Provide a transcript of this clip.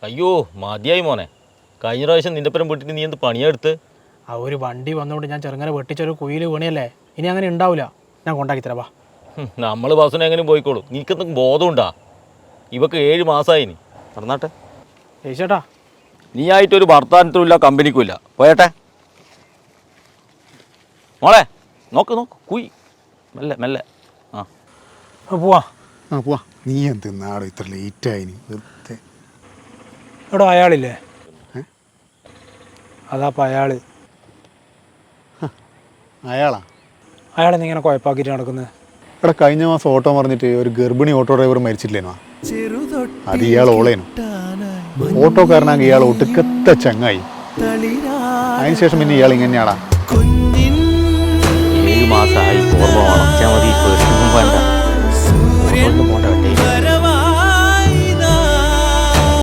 അയ്യോ മതിയായി മോനെ. കഴിഞ്ഞ പ്രാവശ്യം നിന്റെ പരം വീട്ടിട്ട് നീ എന്ത് പണിയെടുത്ത്? ആ ഒരു വണ്ടി വന്നുകൊണ്ട് ഞാൻ ചെറുങ്ങനെ വെട്ടിച്ചൊരു കുയിൽ വീണിയല്ലേ. ഇനി അങ്ങനെ ഉണ്ടാവില്ല. ഞാൻ കൊണ്ടാക്കി തരാം. വാ, നമ്മൾ ബസ്സിനെ എങ്ങനെ പോയിക്കോളൂ. നീക്കെന്തെങ്കിലും ബോധമുണ്ടാ? ഇവക്ക് 7 മാസമായി. നീ പറഞ്ഞാട്ടെ ചേട്ടാ. നീ ആയിട്ടൊരു ഭർത്താനത്തിനുമില്ല കമ്പനിക്കുമില്ല. പോയട്ടെ മോളെ. നോക്ക് നോക്ക് കുയി മെല്ലെ മെല്ലെ. പോവാ. പോവാ. നീ എന്ത് നാടോ ഇത്ര ലേറ്റായി? എടോ അയാളില്ലേ? അതാപ്പം അയാള്. അയാളാ? അയാളെന്ന് ഇങ്ങനെ കുഴപ്പാക്കിയിട്ട് നടക്കുന്നത്? ഇവിടെ കഴിഞ്ഞ മാസം ഓട്ടോ പറഞ്ഞിട്ട് ഒരു ഗർഭിണി ഓട്ടോ ഡ്രൈവർ മരിച്ചില്ലേനോ? അത് ഇയാൾ ഓളേനു. ഓട്ടോക്കാരനാകെ ഇയാൾ ഒടുക്കത്തെ ചങ്ങായി. അതിനുശേഷം പിന്നെ ഇയാൾ ഇങ്ങനെയാടാ. 7 മാസമായി. ഓർമ്മ വേണം. മതി. ഒന്നും വേണ്ട. ഒന്നും പോണ്ട.